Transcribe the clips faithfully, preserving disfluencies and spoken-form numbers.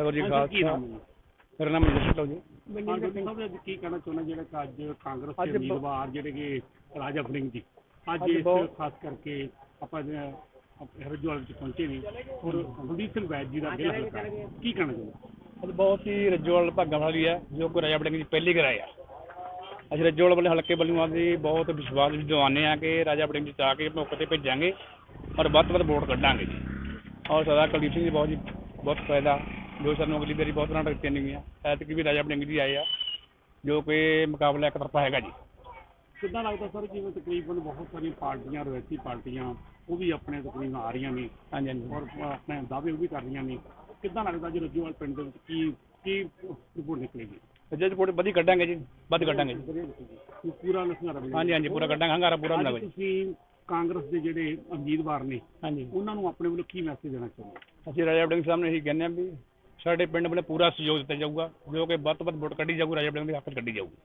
ਵਾਹਿਗੁਰੂ ਜੀ ਖਾਲਸਾ। ਮੇਰਾ ਨਾਮ ਮਨਜੀਤ ਸਿੰਘ ਜੀ। ਮਨਜੀਤ ਸਿੰਘ ਸਾਹਿਬ, ਕੀ ਕਹਿਣਾ ਚਾਹੁੰਦਾ ਜਿਹੜਾ ਕਿ ਅੱਜ ਕਾਂਗਰਸ ਦੇ ਉਮੀਦਵਾਰ ਜਿਹੜੇ ਕਿ ਰਾਜਾ ਵੜਿੰਗ ਜੀ ਅੱਜ ਇਸ ਖਾਸ ਕਰਕੇ ਆਪਾਂ ਹਰਿਦੁਆਰ ਵਿੱਚ ਪਹੁੰਚੇ ਨੇ ਔਰ ਕੁਲਦੀਪ ਸਿੰਘ ਵੈਦ ਜੀ ਦਾ ਦਿਲ ਹਲਕਾ, ਕੀ ਕਹਿਣਾ ਚਾਹੁੰਦਾ? ਅੱਜ ਬਹੁਤ ਹੀ ਰੱਜੋਵਾਲ ਭਾਗਾਂ ਵਾਲੀ ਹੈ ਜੋ ਕਿ ਰਾਜਾ ਵੜਿੰਗ ਜੀ ਪਹਿਲੀ ਕਰਾਏ ਆ। ਅਸੀਂ ਰੱਜੋਵਾਲ ਵਾਲੇ ਹਲਕੇ ਵੱਲੋਂ ਅਸੀਂ ਬਹੁਤ ਵਿਸ਼ਵਾਸ ਦਿਵਾਉਂਦੇ ਹਾਂ ਕਿ ਰਾਜਾ ਵੜਿੰਗ ਜੀ ਜਾ ਕੇ ਮੌਕੇ 'ਤੇ ਭੇਜਾਂਗੇ ਔਰ ਵੱਧ ਤੋਂ ਵੱਧ ਵੋਟ ਕੱਢਾਂਗੇ ਜੀ। ਔਰ ਸਰਦਾਰ ਕੁਲਦੀਪ ਸਿੰਘ ਜੀ ਬਹੁਤ ਜੀ ਬਹੁਤ ਫਾਇਦਾ ਜੋ ਸਾਨੂੰ ਅਗਲੀ ਵਾਰੀ ਬਹੁਤ ਨਾਟਕ ਦਿੱਤੀਆਂ ਨੇਗੀਆਂ। ਐਤਕੀ ਵੀ ਰਾਜਾ ਵੜਿੰਗ ਜੀ ਆਏ ਆ ਜੋ ਕਿ ਮੁਕਾਬਲਾ ਇੱਕ ਤਰਫਾ ਹੈਗਾ ਜੀ। ਕਿੱਦਾਂ ਲੱਗਦਾ ਸਰ, ਜਿਵੇਂ ਤਕਰੀਬਨ ਬਹੁਤ ਸਾਰੀਆਂ ਪਾਰਟੀਆਂ ਰਵਾਇਤੀ ਪਾਰਟੀਆਂ ਉਹ ਵੀ ਆਪਣੇ ਤਕਰੀਬਨ ਆ ਰਹੀਆਂ ਨੇ ਹਾਂਜੀ ਹਾਂਜੀ ਔਰ ਆਪਣੇ ਦਾਅਵੇ ਉਹ ਵੀ ਕਰ ਰਹੀਆਂ ਨੇ, ਕਿੱਦਾਂ ਲੱਗਦਾ ਜੀ ਰੱਜੋਵਾਲ ਪਿੰਡ ਦੇ ਵਿੱਚ ਕੀ ਕੀ ਰਿਪੋਰਟ ਨਿਕਲੇਗੀ? ਜੇ ਰਿਪੋਰਟ ਵਧੀਆ ਕੱਢਾਂਗੇ ਜੀ, ਵੱਧ ਕੱਢਾਂਗੇ ਜੀ। ਪੂਰਾ ਨਸ਼ਾ ਹਾਂਜੀ ਹਾਂਜੀ ਪੂਰਾ ਕੱਢਾਂਗੇ, ਹੰਗਾਰਾ ਪੂਰਾ ਹੁੰਦਾ ਜੀ। ਤੁਸੀਂ ਕਾਂਗਰਸ ਦੇ ਜਿਹੜੇ ਉਮੀਦਵਾਰ ਨੇ ਹਾਂਜੀ ਉਹਨਾਂ ਨੂੰ ਆਪਣੇ ਵੱਲੋਂ ਕੀ ਮੈਸੇਜ ਦੇਣਾ ਚਾਹੁੰਦੇ? ਅਸੀਂ ਰਾਜਾ ਵੜਿੰਗ ਸਾਹਿਬ ਨੂੰ ਇਹੀ ਕਹਿੰਦੇ ਹਾਂ ਵੀ ਸਾਡੇ ਪਿੰਡ ਵੱਲੋਂ ਪੂਰਾ ਸਹਿਯੋਗ ਦਿੱਤਾ ਜਾਊਗਾ ਜੋ ਕਿ ਵੱਧ ਤੋਂ ਵੱਧ ਵੋਟ ਕੱਢੀ ਜਾਊਗੀ, ਰਾਜਾ ਵੜਿੰਗ ਦੇ ਹੱਕ 'ਚ ਕੱਢੀ ਜਾਊਗੀ।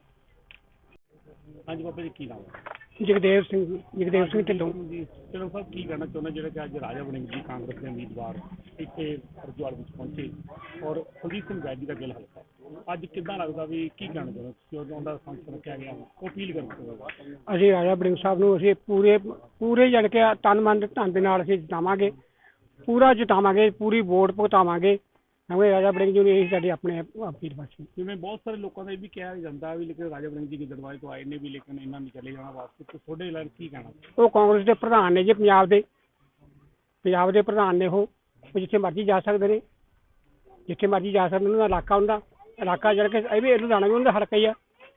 ਹਾਂਜੀ ਬਾਬਾ ਜੀ, ਕੀ ਨਾਮ ਹੈ? ਜਗਦੇਵ ਸਿੰਘ ਜਗਦੇਵ ਸਿੰਘ ਢਿੱਲੋਂ ਜੀ। ਚਲੋ ਸਾਹਿਬ, ਕੀ ਕਹਿਣਾ ਚਾਹੁੰਦਾ ਜਿਹੜਾ ਕਿ ਅੱਜ ਰਾਜਾ ਵੜਿੰਗ ਜੀ ਕਾਂਗਰਸ ਦੇ ਉਮੀਦਵਾਰ ਇੱਥੇ ਹਰਿਦੁਆਰ ਵਿੱਚ ਪਹੁੰਚੇ ਔਰ ਕੁਲਦੀਪ ਸਿੰਘ ਵੈਦ ਜੀ ਦਾ ਦਿਲ ਹਲਕਾ, ਅੱਜ ਕਿੱਦਾਂ ਲੱਗਦਾ ਵੀ ਕੀ ਕਹਿਣਾ ਚਾਹੁੰਦਾ ਤੁਸੀਂ? ਉਹਦਾ ਸੰਸਦ ਰੱਖਿਆ ਗਿਆ ਉਹ ਅਪੀਲ ਕਰਨਾ? ਅਸੀਂ ਰਾਜਾ ਵੜਿੰਗ ਸਾਹਿਬ ਨੂੰ ਅਸੀਂ ਪੂਰੇ ਪੂਰੇ ਜਣ ਕੇ ਤਨ ਮਨ ਧਨ ਦੇ ਨਾਲ ਅਸੀਂ ਜਿਤਾਵਾਂਗੇ, ਪੂਰਾ ਜਿਤਾਵਾਂਗੇ, ਪੂਰੀ ਵੋਟ ਭੁਗਤਾਵਾਂਗੇ ਕਿਉਂਕਿ ਰਾਜਾ ਵੜਿੰਗ ਜੀ ਨੇ ਇਹੀ ਸਾਡੇ ਆਪਣੇ ਅਪੀਲ ਵਾਸੀ। ਜਿਵੇਂ ਬਹੁਤ ਸਾਰੇ ਲੋਕਾਂ ਦਾ ਇਹ ਵੀ ਕਿਹਾ ਜਾਂਦਾ ਵੀ ਲੇਕਿਨ ਰਾਜਾ ਵੜਿੰਗ ਜੀ ਗਿੱਦੜਬਾਹੇ ਤੋਂ ਆਏ ਨੇ ਵੀ ਲੇਕਿਨ ਇਹਨਾਂ ਨੇ ਚਲੇ ਜਾਣਾ ਵਾਸਤੇ, ਤੇ ਤੁਹਾਡੇ ਲਈ ਕੀ ਕਹਿਣਾ? ਉਹ ਕਾਂਗਰਸ ਦੇ ਪ੍ਰਧਾਨ ਨੇ ਜੀ, ਪੰਜਾਬ ਦੇ ਪੰਜਾਬ ਦੇ ਪ੍ਰਧਾਨ ਨੇ। ਉਹ ਉਹ ਜਿੱਥੇ ਮਰਜ਼ੀ ਜਾ ਸਕਦੇ ਨੇ, ਜਿੱਥੇ ਮਰਜ਼ੀ ਜਾ ਸਕਦੇ ਨੇ। ਉਹਨਾਂ ਦਾ ਇਲਾਕਾ ਹੁੰਦਾ ਇਲਾਕਾ ਜਿਹੜਾ ਕਿ ਇਹ ਵੀ ਲੁਧਿਆਣਾ ਵੀ ਉਹਨਾਂ ਦਾ ਹਲਕਾ ਹੀ ਆ।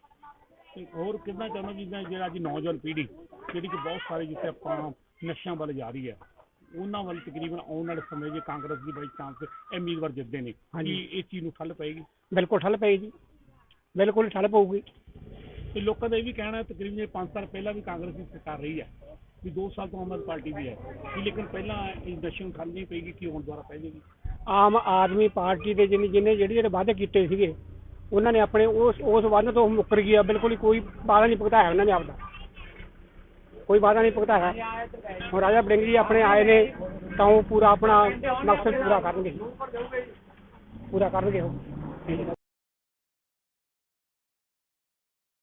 ਹੋਰ ਕਿੱਦਾਂ ਚਾਹੁੰਦਾ ਜਿੱਦਾਂ ਜਿਹੜਾ ਅੱਜ ਨੌਜਵਾਨ ਪੀੜ੍ਹੀ ਜਿਹੜੀ ਕਿ ਬਹੁਤ ਸਾਰੇ ਜਿੱਥੇ ਆਪਾਂ ਨਸ਼ਿਆਂ ਵੱਲ ਜਾ ਰਹੀ ਹੈ ਉਹਨਾਂ ਵੱਲ ਤਕਰੀਬਨ ਆਉਣ ਵਾਲੇ ਸਮੇਂ ਜੇ ਕਾਂਗਰਸ ਦੀ ਬਾਈ ਚਾਂਸ ਉਮੀਦਵਾਰ ਜਿੱਤਦੇ ਨੇ, ਕੀ ਇਸ ਚੀਜ਼ ਨੂੰ ਠੱਲ ਪਏਗੀ? ਬਿਲਕੁਲ ਠੱਲ ਪਏਗੀ ਜੀ, ਬਿਲਕੁਲ ਠੱਲ ਪਊਗੀ। ਤੇ ਲੋਕਾਂ ਦਾ ਇਹ ਵੀ ਕਹਿਣਾ ਤਕਰੀਬਨ ਪੰਜ ਸਾਲ ਪਹਿਲਾਂ ਵੀ ਕਾਂਗਰਸ ਦੀ ਸਰਕਾਰ ਰਹੀ ਹੈ ਵੀ ਦੋ ਸਾਲ ਤੋਂ ਆਮ ਆਦਮੀ ਪਾਰਟੀ ਵੀ ਹੈ ਵੀ ਲੇਕਿਨ ਪਹਿਲਾਂ ਇਸ ਨਸ਼ੇ ਨੂੰ ਠੱਲ ਨਹੀਂ ਪਏਗੀ, ਕੀ ਹੁਣ ਦੁਬਾਰਾ ਪੈ ਜਾਏਗੀ? ਆਮ ਆਦਮੀ ਪਾਰਟੀ ਦੇ ਜਿਹਨੇ ਜਿਹਨੇ ਜਿਹੜੇ ਜਿਹੜੇ ਵਾਅਦੇ ਕੀਤੇ ਸੀਗੇ ਉਹਨਾਂ ਨੇ ਆਪਣੇ ਉਸ ਉਸ ਵਾਅਦੇ ਤੋਂ ਮੁੱਕਰ ਗਿਆ। ਬਿਲਕੁਲ ਹੀ ਕੋਈ ਵਾਅਦਾ ਨਹੀਂ ਭੁਗਤਾਇਆ ਉਹਨਾਂ ਨੇ, ਆਪਦਾ ਕੋਈ ਵਾਅਦਾ ਨਹੀਂ ਭੁਗਤਾਇਆ। ਹੁਣ ਰਾਜਾ ਵੜਿੰਗ ਜੀ ਆਪਣੇ ਆਏ ਨੇ ਤਾਂ ਉਹ ਪੂਰਾ ਆਪਣਾ ਮਕਸਦ ਪੂਰਾ ਕਰਨਗੇ, ਪੂਰਾ ਕਰਨਗੇ ਉਹ।